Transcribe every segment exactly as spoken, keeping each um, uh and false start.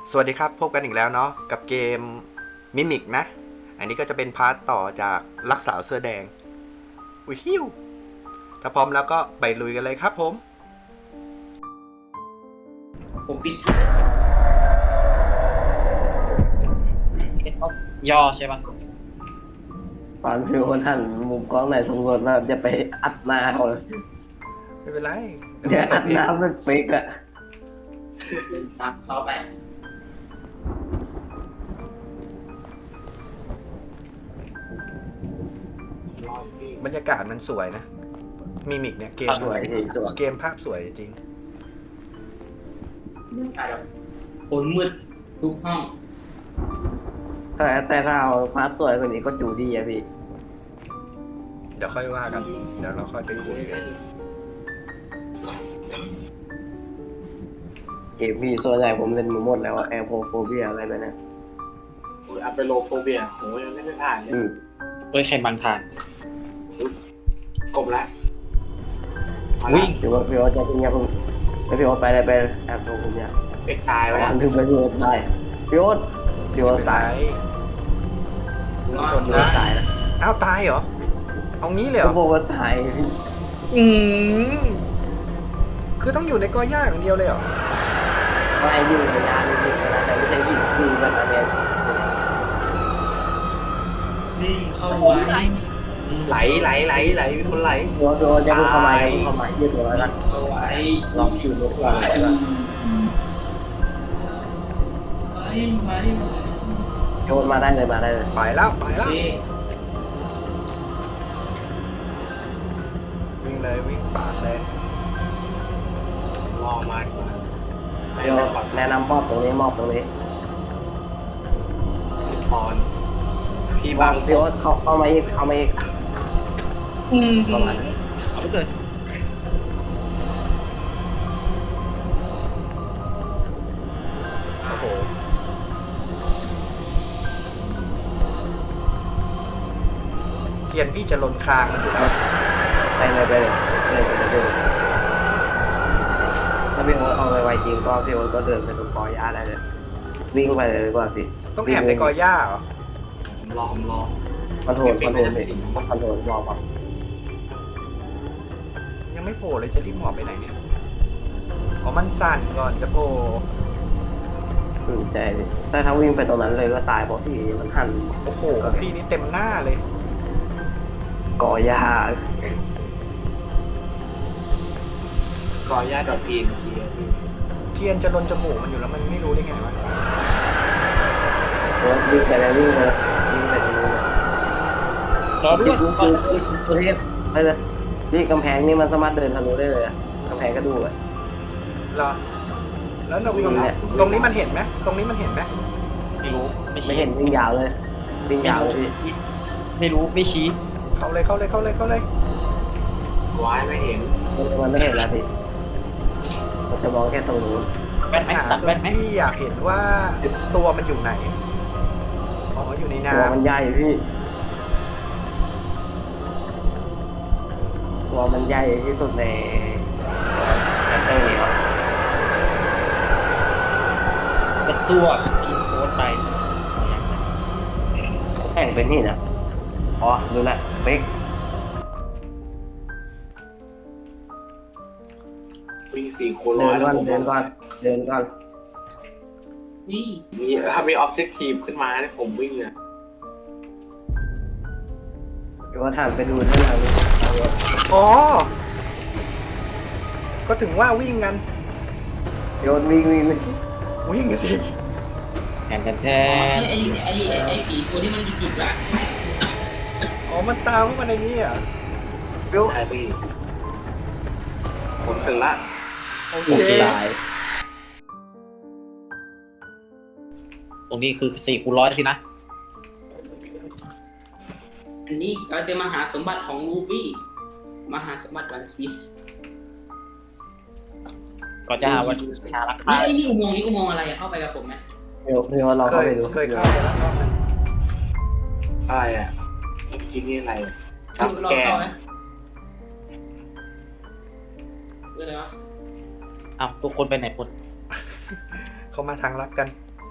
สวัสดีครับพบกันอีกแล้วเนาะกับเกมมิมิกนะอันนี้ก็จะเป็นพาร์ทต่อจากรักสาวเสื้อแดงวิฮิวถ้าพร้อมแล้วก็ไปลุยกันเลยครับผมผมปิดย่อใช่ปะตอนพี่คนหันมุมกล้องไหนสำรวจมาจะไปอัดหน้าเขาเลยไม่เป็นไรจะอัดหน้าเป็นเฟกอะตักเข้าไปบรรยากาศมันสวยนะมิมิกเนี่ยเกมสวยดีสวยเกมภาพสวยจริงคนมืดทุกห้องแต่แต่ถ้าเอาภาพสวยกว่านี้ก็จูดีอะพี่เดี๋ยวค่อยว่ากันเดี๋ยวเราค่อยไปคุยกันเกมพี่ส่วนใหญ่ผมเล่นมาหมดแล้วแอร์โพโฟเบียอะไรแบบนี้โอ้ยอัปเปโลโฟเบียโหยังไม่ได้ผ่านเลยอืมเอ้ยใครบังทางกบแล้ววิ่งพี่ว่าพี่ว่าจะเป็นยังแล้วพี่ว่าไปเลยไปแอร์โพโฟเบียเป็กตายไปไปแล้วทำถึงไปพี่ว่าตายพี่ว่าพี่ว่าไม่เป็นไรตายรอดพี่ว่าตายนะอ้าวตายเหรอเอางี้เลยเหรพี่อว่าตายพี่อืมคือต้องอยู่ในกอหญ้าอย่างเดียวเลยเหรอไม่อยู่ในยานนี่นะแต่ไม่ใช่ยิงคือมันอะไรนิ่งเข้าไว้ไหลไหลไหลไหลมีคนไหลพี่ว่าพี่ว่าจะพูดเข้ามาจะพูดเข้ามายืดตัวแล้วกันเข้าไว้ลองคิวรถก่อนเลยนะไว้ไว้โยนมาได้เลยมาได้เลยไปแล้วไปโอแล้วเควิ่งเลยวิ่งปาดเลยรอมาดีกว่าเดี๋ยวแนะนำมอบตรงนี้มอบตรงนี้พี่พรพี่บาบาง งพี่โอ๊ตเข้าเข้ามาอีกเข้ามาอีกอืมประมาณนั้นเอาไปเลยโอ้โหเทียนพี่จะลนคางมันอยู่แล้วไปเลยไปเลยไปเลยไปเลยไปเลยถ้าพี่โอ๊ตเอาไปไวจริงก็พี่โอ๊ตก็เดินไปตรงกอหญ้าได้เลยวิ่งไปเลยดีกว่าพี่ต้องแอบในกอหญ้าเหรอผมรอผมรอคอนโทรลคอนโทรลพี่คอนโทรลรอป่ะยังไม่โผล่เลยจะรีบหมอบไปไหนเนี่ยอ๋อมันสั่นก่อนจะโผล่อืมใช่พี่แต่ถ้าวิ่งไปตรงนั้นเลยก็ตายเพราะพี่มันหันโอ้โหพี่นี่เต็มหน้าเลยกอหญ้าก่อย่าดอทพีนทีพี่เทียนจะลนจมูกมันอยู่แล้วมันไม่รู้ได้ไงวะโอ๊ตวิ่งไปเลยวิ่งไปเลยวิ่งไปตรงนู้นเลยรอด้วิ่วงยวิ่งคือวิ่งตัวเทพไปเลยพี่กำแพงนี่มันสามารถเดินทะลุได้เลยอะกำแพงก็ดูอะเหรอแล้วตรงวิ่งเนี่ยตรงนี้มันเห็นไหมตรงนี้มันเห็นไหมไม่รู้ไม่ไม่ชี้เห็นวิ่งยาวเลยวิ่งยาวเลยพี่ไม่รู้ไม่ชี้เข้าเลยเข้าเลยเข้าเลยเข้าเลยวายไม่เห็นมันไม่เห็นแล้วพี่มันจะมองแค่ตรงนู้นแว่นไหมหาตัดแว่นไหมพี่อยากเห็นว่าตัวมันอยู่ไหนอ๋ออยู่ในน้ตัวมันใหญ่พี่ตัวมันใหญ่ที่สุดในแอปเปิลนี้ครับกระซั่วอินโพสต์ไปแข่งเป็นนี่นะอ๋อดูแลวเป๊กวิ่งสี่คูณร้เดิอยนแล้วก่อนผมเดินก่อนเดินก่อนนี่มีถ้ามีออบเจกตีฟขึ้นมาเนี่ยผมวิ่งเลยเดี๋ยวว่าถ่านไปดูด้านหลังำอ๋อก็ถึงว่าวิ่งกันโยนวิ่งวิ่งวิ่งวิ่งสิแทนแทนแทอ๋อน ไอ้ไอ้ไอ้ไอ้ผีตัวที่มันหยุดๆอะอ๋อมันตามเข้ามาในนี้อ่ะเดี๋ยวใช่พี่ผมถึงละโอเคโอเคตายตรงนี้คือสี่คูณร้อยสินะอันนี้เราจะมาหาสมบัติของลูฟี่มาหาสมบัติวันพีซก็จะหาวันชาลักนี่พาไอ้นี่อุโมงค์นี่อุโมงค์อะไรอะเข้าไปกับผมไหมเดี๋ยวเดี๋ยวเราเคเข้าย ไปดูเคยเข้าไปแล้วรอบนึงอะไรอ่ะเมื่อกี้นี่อะไรจัเราบเราแกนเข้าไหมเออเลยวะอ้าวทุกคนไปไหนหมดเขามาทางลับกัน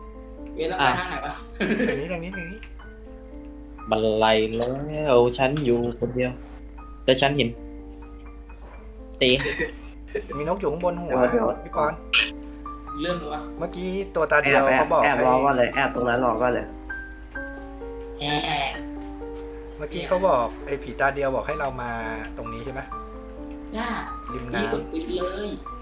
เอ๊ะแล้วไปทางไหนวะทางนี้ทางนี้ทางนี้บันไลแล้วฉันอยู่คนเดียวแต่ฉันเห็นตีมีนกอยู่ข้างบนหัวพี่ปอนเริ่มเลยวะเมื่อกี้ตัวตาแอเดียวบแอเขาบบอกแอบให้รอก็เลยแอบตรงนั้นรอก็เลยแอะเมื่อกี้เขาบอกไอ้ผีตาเดียวบอกให้เรามาตรงนี้ใช่ไหมจ้าริมพี่น้กดคุยเลย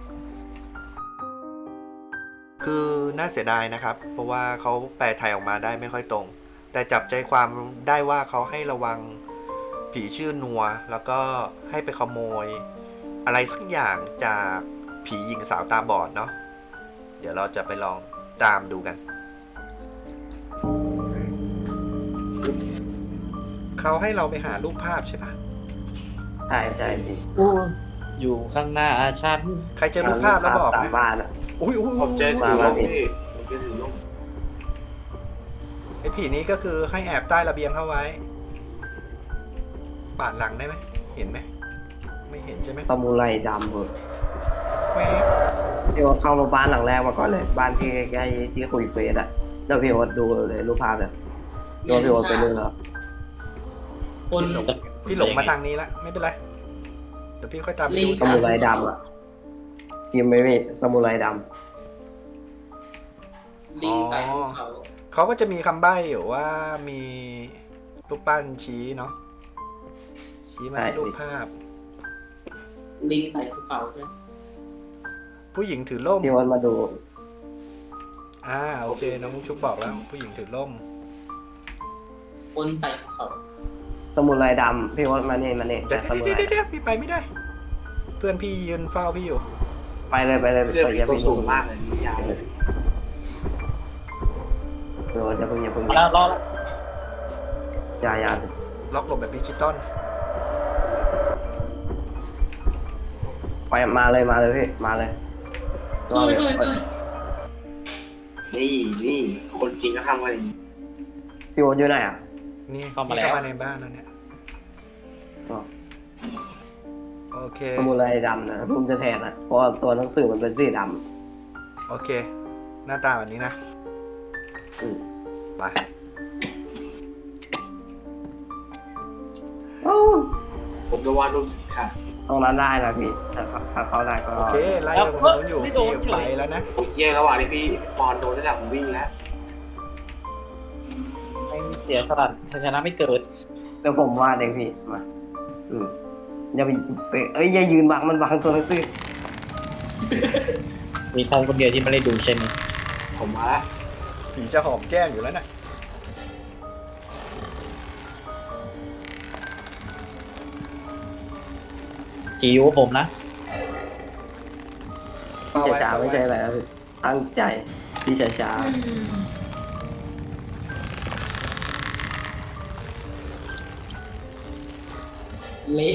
ำคือน่าเสียดายนะครับ เพราะว่าเขาแปลไทยออกมาได้ไม่ค่อยตรง แต่จับใจความได้ว่าเขาให้ระวังผีชื่อนัว แล้วก็ให้ไปขโมย อะไรสักอย่างจากผีหญิงสาวตาบอดเนาะเดี๋ยวเราจะไปลองตามดูกัน เขาให้เราไปหารูปภาพใช่ปะใช่ใช่พี่อยู่ข้างหน้าฉันใครเจอรูปภาพแล้วบอกตามนะบ้านอ่ะอุ้ยอุ้ยผมเจออุ้ถืยอล่มพี่ผมเจอถือล่มไอ้ผีนี้ก็คือให้แอบใต้ระเบียงเข้าไว้ปาดหลังได้ไหมเห็นไหมไม่เห็นใช่ไหมตะมูไรดำเลยแว๊บพี่ว่าเข้ามาบ้านหลังแรกมาก่อนเลย บ้านที่ใกล้ๆที่คุยเฟซอ่ะแล้วพี่ว่าดูเลยรูปภาพเนี่ยดูพี่ว่าไปดูแล้วคนพี่หลงมาทางนี้ละไม่เป็นไรเดี๋ยวพี่ค่อยตามไปดูสมุไรดำอ่ะพิมพ์ไม่มีสมุไรดลิงไต่ภูเขาเขาก็จะมีคำใบ้อยู่ว่ามีรูปปั้นชี้เนาะชี้มาที่รูปภาพลิงไต่ภูเขาใช่ไหมผู้หญิงถือร่มำพี่ว่ามาดูอ่าโอเคน้องมุกชุบบอกแล้ว ผู้หญิงถือร่มคนไต่ภูเขาสมุไรดำพี่ว่ามาเนี่ยมาเนี่ยเดี๋ยวสมุไรเดี๋ยวเดี๋ยวพี่ไปไม่ได้ เพื่อนพี่ยืนเฝ้าพี่อยู่ไปเลยไปเลยเพื่อนไปพี่อย่าตัวเพิ่งสูงมากเลยนี่ยาวเลยเดี๋ยวจะเพิ่งอย่าเพิ่งมาแล้วรอแล้วอย่าอย่าล็อกหลบแบบดิจิตอลไปมาเลยมาเลยพี่มาเลยรอเฮ้เลย ยเฮ้ยเฮ้ยนี่นี่คนจริงก็ทำกันอย่างนี้พี่ว่าอยู่ไหนอ่ะนี่พี่เข้ามาในบ้านแล้วเนี่ยอ๋อโอเคสมุไรดำนะผมจะแทนนะเพราะว่าตัวหนังสือมันเป็นสีดโอเค หน้าตาแบบนี้นะำอืมไปโอ้ผมจะวาดรูปค่ะตรงนั้นได้นะพี่ถ้าเขาถ้าเขาได้ก็โอเคไล่กับคนนู้นอยู่พี่ไปแล้วนะผมแย่ระหว่างที่พี่ปอนโดนระดับผมวิ่งแล้วไม่เสียสลัดชนะไม่เกิดเดี๋ยวผมวาดเองพี่มาอืมอย่าไปไปเอ้ยอย่ายืนบังมันบังตัวหนังสือมีใครคนเดียวที่ไม่ได้ดูใช่ไหมผมมาแล้วผีจะหอมแก้มอยู่แล้วนะกี่ยูผมนะพี่ช้าๆไม่ใช่อะไรนะพี่ตั้งใจพี่ช้าเละ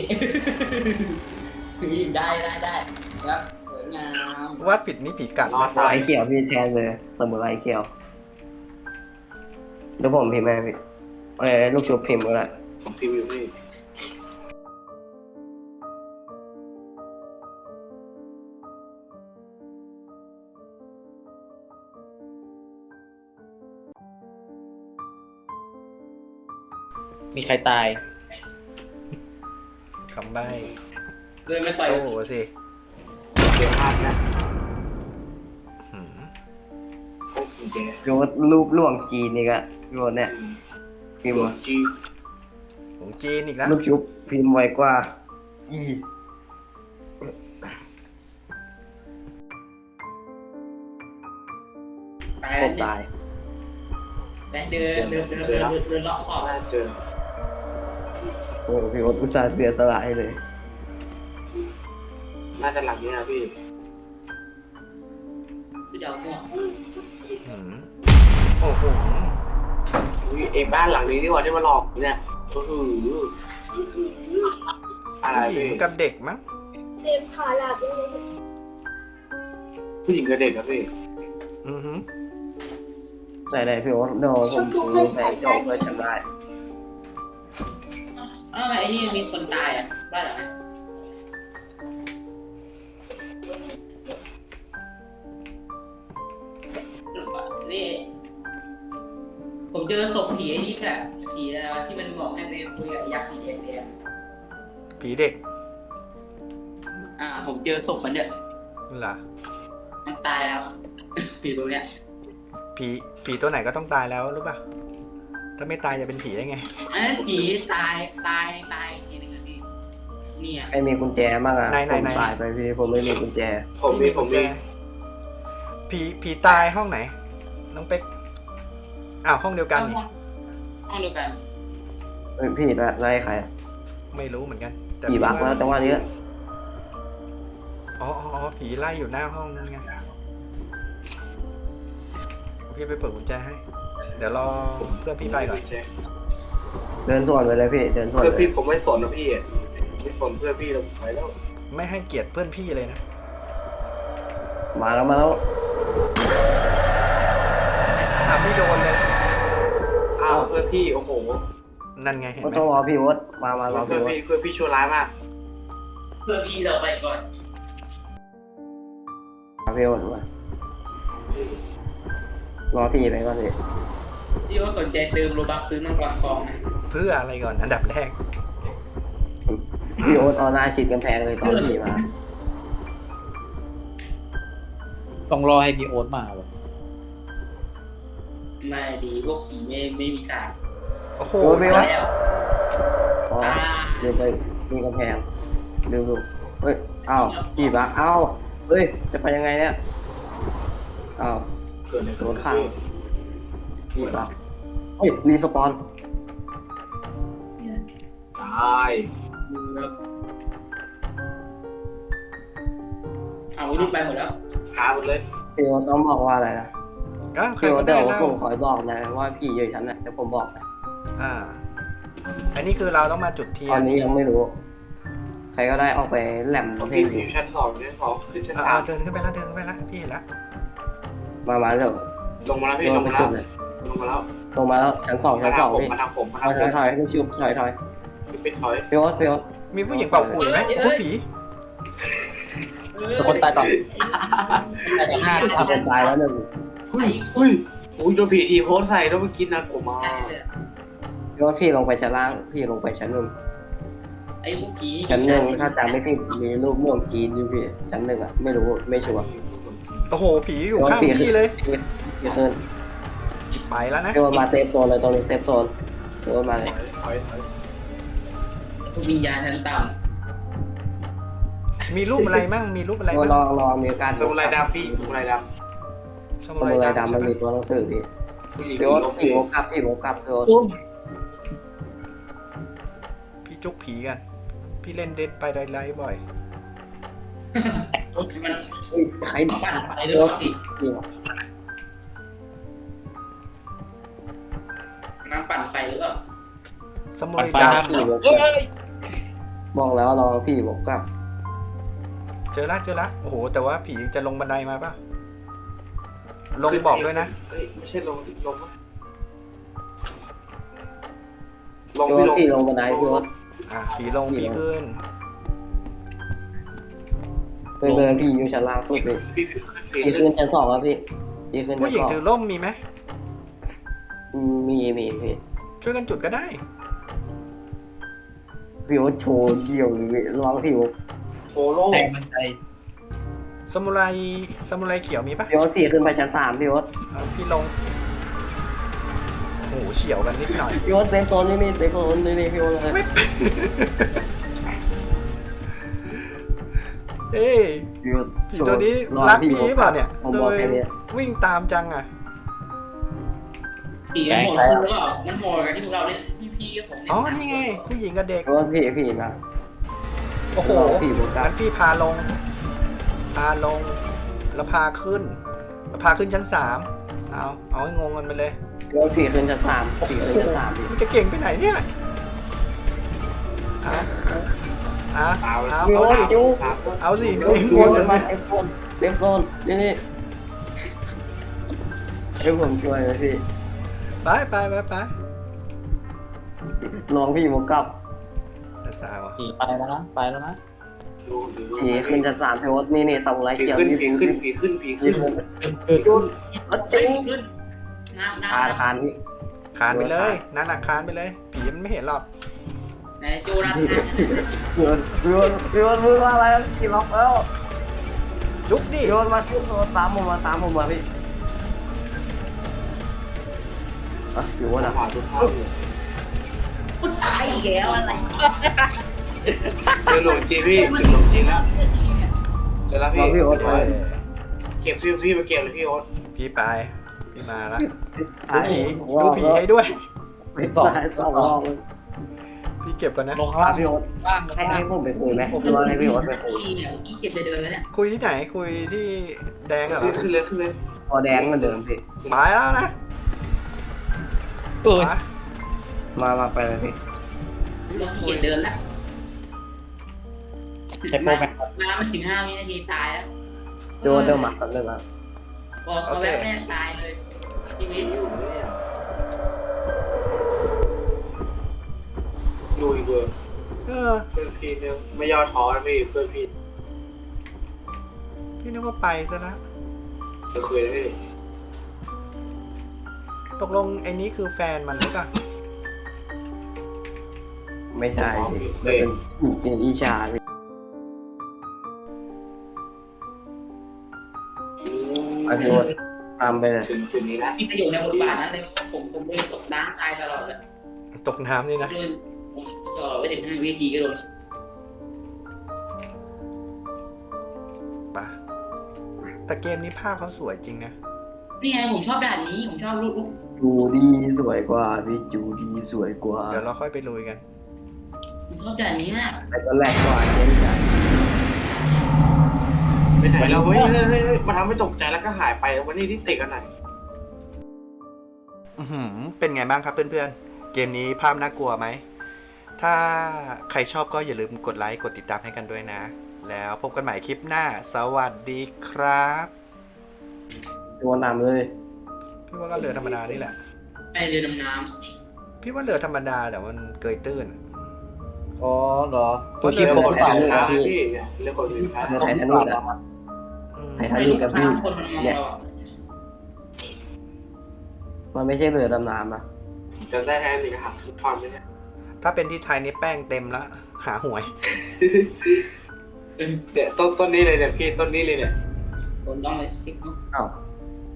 ได้ได้ได้ครับสวยงามวาดผิดนี่ผีกัดรอนะดๆสมุไรเขียวพี่แทนเลยสมุไรเขียวเดี๋ยวผมพิมพ์ให้พี่เอ้ยลูกชุบพิมพ์ก็ได้ผมพิมพ์อยู่พี่มีใครตายคำใบ้เดินไม่ต่อยโอ้โหสิเดี๋ยวพลาดนะหืมโอ้ผมแย่โยนรูปล่วงจีนนี่ก็โยนเนี่ยพิมพ์หัวมาจีของจีนอีกแล้วลูกชุบพิมพ์ไวกว่าอีตายผมตายแต่เดินเดินเดินเดินเดินเลาะขอบน่าเจอโอ้พี่โอ๊ตอุตส่าห์เสียสละให้เลยน่าจะหลังนี้นะพี่คือเดี๋ยวหัวหืมโอ้โหอุ๊ยเองบ้านหลังนี้นี่หว่าที่มาหลอกเนี่ยก็คืออะไรผู้หญิงพี่กับเด็กมั้งเต็มขาหลับเลยผู้หญิงกับเด็กครับพี่อือหือไหนๆพี่โอ๊ตเดี๋ยวผมดูแสงจบเพื่อจำได้อ้าวไอ้นี่มีคนตายอ่ะบ้านหลังนี้นี่เจอศพผีไอ้นี่แหละผีอะไรวะที่มันบอกให้ไปคุยกับยักษ์ผีแดงแดงผีเด็กอ่า ผมเจอศพมันเนี่ยเหรอมันตายแล้ว ผีตัวเนี้ยผีผีตัวไหนก็ต้องตายแล้วรู้ป่ะถ้าไม่ตายจะเป็นผีได้ไงอันนั้นผีตายตายตายทีนึงอะพี่เนี่ยใครมีกุญแจบ้างอ่ะไหนไหนผมไหนตายไปพี่ผมไม่มีกุญแจผมมีผมมีผีผีตายห้องไหนน้องเป๊กอ้าวห้องเดียวกันนี่ห้องห้องเดียวกันเฮ้ยพี่ละไล่ใครอะไม่รู้เหมือนกันแต่กี่บักแล้วจังหวะนี้อ๋ออ๋ออ๋อผีไล่อยู่หน้าห้องนั่นไงพี่ไปเปิดกุญแจให้ เดี๋ยวรอเพื่อนพี่ไปก่อนเดินสวนไปเลยพี่เดินสวนเพื่อนไปพี่ผมไม่สนนะพี่ไม่สนเพื่อนพี่เราไปแล้วไม่ให้เกียรติเพื่อนพี่เลยนะมาแล้วมาแล้วอ่ะพี่โดนเลยอ้าวเพื่อนพี่โอ้โหนั่นไงเห็นก็ไหมต้องรอพี่วดมามารอเพื่อพี่วดนพี่เพื่อนพี่ชั่วร้ายมากเพื่อพี่เราไปก่อนมาพี่วดมารอพี่ไปก่อนสิพี่ก็สนใจเติมโลบักซื้อมังกรทองนะเพื่ออะไรก่อนอันดับแรกพี่วดเอาหน้าชิดกำแพงเลยตอนพี่มาต้องรอให้มีโอ๊ตมาว่ะไม่ดีพวกผีไม่ไม่มีทางโอ้โหโอ้พี่วดแล้วพอลืมไปมีกำแพงลืมดูเฮ้ยอ้าวพี่บักอ้าวเฮ้ยจะไปยังไงเนี่ยอ้าวเกิดอะไรโดขึ้นนข้างพี่บักเฮ้ยรีสปอนตายเอารูปไปหมดแล้วหาหมดเลยพี่วดต้องบอกว่าอะไรนะอ้าวใครพี่วก็ดได้เดี๋ยวเล่าผมขอบอกนะว่าพี่อยู่ชั้นไหนเดี๋ยวผมบอกนะอ่า อันนี้คือเราต้องมาจุดเทียตอน นนี้ยังไม่รู้ ใครก็ได้ออกไปแหลมผมเพลพี่งอยู่ชั้นสองชั้นสองขึ้นชั้นอ่าสามเดินขึ้นไปแล้วเดินขึ้นไปแล้วพี่เห็นแล้วมามาเดี๋ยวลงมาแล้วพี่ลงไปมาแล้สุวดเลยลงมาแล้วลงมาแล้วชั้นสองมาชั้นสทาอง งผมพี่มาทางผมมาถอทางยผถอยมถอยพี่ชิวถอยถอยพี่เป็นถอยพี่โอ๊ตพี่โอ๊ตมีผู้หญิงเป่าขลุ่ยไหมผู้ผีทุกคนตายต่อตายต่อหน้าถ้าคนตายแล้วหนึ่งเฮ้ยเฮ้ยโอ้ยโดนผีทีโพสใส่แล้วเมื่อกี้นะผมมาพี่โอ๊ตพี่ลงไปชั้นล่างพี่ลงไปชั้นหนึ่งไอ้พวกผีชั้นหนึ่งถ้าจำไม่ผิดมีรูปม่วงจีนอยู่พี่ชั้นหนึ่งอ่ะไม่รู้ไม่ชัวร์โอ้โหผีอยู่ข้างพี่เลยพี่ขึ้นไปแล้วนะพี่โอ๊ตมาเซฟโซนเลยตรงนี้เซฟโซนพี่โอ๊ตมาเลยถอยถอยวิญญาณชั้นต่มีรูปอะไรมั่งมีรูปอะไรพี่โอ๊ตลมั่อง งลองมีการสมุไรดำพี่สมุไรดสสมุมุไรไรดำดำมันใช่ไหมมีตัวหนังสือพี่ำผู้หญิงพี่โอ๊ตลงพี่โอ๊ตกลับพี่โอ๊ตกลับพี่โอ๊ตพี่จุกผีกัน พี่เล่นเด็ดไปไดไลท์บ่อยำมันเฮ้ยใครปั่นไฟด้วยสิพี่วะน้ำปั่นไฟหรือเปล่าสมุปัไรนไปดห้ามพี่โอ๊ตกลับบอกแล้วลองพี่โอ๊ตกลับำเจอละเจอละโอ้โห แต่ว่าผีจะลงบันไดมาป่ะ ลงบอกด้วยนะเฮ้ยไม่ใช่ลงลงลงพี่พี่โอ๊ตพี่ลลงงบันไดพี่โอ๊ตอ่ะผีลงผีขึ้นเพื่อนๆพี่อยู่ชั้นล่างสุดพี่พี่พี่พี่ขึ้นชั้นสองครับพี่พี่ขึ้นผู้ชั้นหญิงสองถือร่มมีไหมมีมีพี่ช่วยกันจุดก็ได้พี่โอ๊ตโชว์เดี่ยวเลยพี่ลองพี่โอ๊ตโฟโล่แทงมันใจสมุไรสมุไรเขียวมีปะพี่โอ๊ตพี่ขึ้นไปชั้นสามพี่โอ๊ตเอาพี่ลง โอ้โหเฉียวกันนิดหน่อยพี่โอ๊ตเซฟโซนนี่นี่เซฟโซนนี่นี่พี่โอ๊ตเลยไม่ เอ้ยพี่โอ๊ตผีตัวนี้ลองรักพี่พี่โอ๊ตหรือเปล่าเนี่ยผมบอกแค่นี้วิ่งตามจังอ่ะผีมันโหดขึ้นหรือเปล่ามันโหดกันที่พวกเราเล่นที่พี่กับผมเล่นอ๋อ นี่ไง ผู้หญิงกับเด็กพี่โอ๊ตพี่พี่นะโอ้โหลองพี่โอ๊ตครังั้บนพี่พาลง พาลง แล้วพาขึ้น แล้วพาขึ้นชั้นสาม เอา เอาให้งงกันไปเลยพี่โอ๊ตพี่ขึ้นชั้นสามพี่ขึ้นชั้นสามพี่มันจะเก่งไปไหนเนี่ยเอาเอาตาเอาพี่เอาโอ๊ตจุ๊บเอาสิพี่เองโอ๊วนตเลยมาเซฟโซนเซฟโซนนี่นี่ให้ผมช่วยไหมพี่ไปไปไปไปลองพี่โอ๊ตกลับสาวๆอ่ะผีไปแล้วนะไปแล้วนะดูดูดูผีขึ้นชั้นสามพี่โอ๊ตนี่นี่สมุไรผีเขียวขึ้นนี่ผีขึ้นผีขึ้นผีพี่ขึ้นขึ้นขึ้นขึ้นพี่โอ๊ตรถเฮ้จุ๊ยบขึ้นน้ำน้ำคานคานพี่คานไปเลย นั่นน่ะคานไปเลย ผีมันไม่เห็นหรอกไหนโจนาธานโยนโยนโยนพูดว่าอะไรพี่ล็อกแล้วจุกดิโยนมาทุบตัวตามผมมาตามผมมาพี่อ่ะอยู่วะนะหาทุกท่านอยู่พูดตายอีกแล้วอะไรเจอหลวงจีพี่เจอหลวงจีแล้วเจอแล้วพี่มาพี่โอ๊ตไปเก็บพี่พี่มาเก็บเลยพี่โอ๊ตพี่ไป พี่มาละไอ้ดูผีให้ด้วยไม่ตอบสองรอบเลยพี่เก็บก่อนนะลงล่างพี่โอ๊ตล่างให้ให้ผมไปคุยไหมหรือว่าให้พี่โอ๊ตไปคุยพี่เนี่ยขี้เกียจจะเดินแล้วเนี่ยคุยที่ไหน คุยที่แดงเหรอขึ้นเลยขึ้นเลยพอแดงเหมือนเดิมพี่ไปแล้วนะเอ้ยไปมามาไปเลยพี่เราขี้เกียจเดินแล้วใช้โปรแกรมมาไม่ถึงห้าวินาทีตายแล้วโยนเดิมหมักกันเลยนะพอพอแวบแรกตายเลยชีวิตอยู่เนี่ยอยู่อีกเบอร์เออเพื่อนพี่เนี่ยไม่ย่อท้อนะพี่เพื่อนพี่พี่นึกว่าไปซะแล้วจะคุยนะพี่ตกลงไอ้นี้คือแฟนมันหรือเปล่าไม่ใช่พี่เป็นเจนอีชาพี่อ่ะพี่โอ๊ตตามไปเลยถึงจุดนี้แล้วมีประโยชน์ในบทบาทนั้นเลยผมผมเดินตกน้ำตายตลอดเลยตกน้ำนี่นะเดินผมต่อไปถึงห้าวินาทีก็โดนไปแต่เกมนี้ภาพเขาสวยจริงนะนี่ไงผมชอบด่านนี้ผมชอบลูกลูกจูดีสวยกว่าพี่จูดีสวยกว่าเดี๋ยวเราค่อยไปลุยกันผมชอบด่านนี้มากแต่ก็แรกกว่าเช่นกันไปไหนเราเฮ้ยเฮ้ยเฮ้ยเฮ้ยมาทำให้ตกใจแล้วก็หายไปวันนี้ที่ติดกันไหนอื้อหือเป็นไงบ้างครับเพื่อนๆ เกมนี้ภาพน่ากลัวไหม ถ้าใครชอบก็อย่าลืมกดไลค์ กดติดตามให้กันด้วยนะ แล้วพบกันใหม่คลิปหน้า สวัสดีครับตัวนำเลยพี่ว่าก็เรือธรรมดานี่แหละไปเรือดำน้พี่ว่าเรือธรรมดาแต่มันเกยตื้นอ๋อเหรอตัวคิดเรื่องผมขนเปล่าสินเลยค้าพี่พี่เนี่ยเรื่องขนสินค้าเรือไททานิกอะอืมำไททานิกกับพี่คนมันมองเนี่ยเราอะมันไม่ใช่เรือดำน้ำอะจะได้แทนมีกระหักทุกท่อนไหมเนี่ยถ้าเป็นที่ไทยนี่แป้งเต็มละหาหวยเนี่ยต้นต้นนี้เลยเนี่ยพี่ต้นนี้เลยเนี่ยผมต้องไปซิกเนาะอ้าว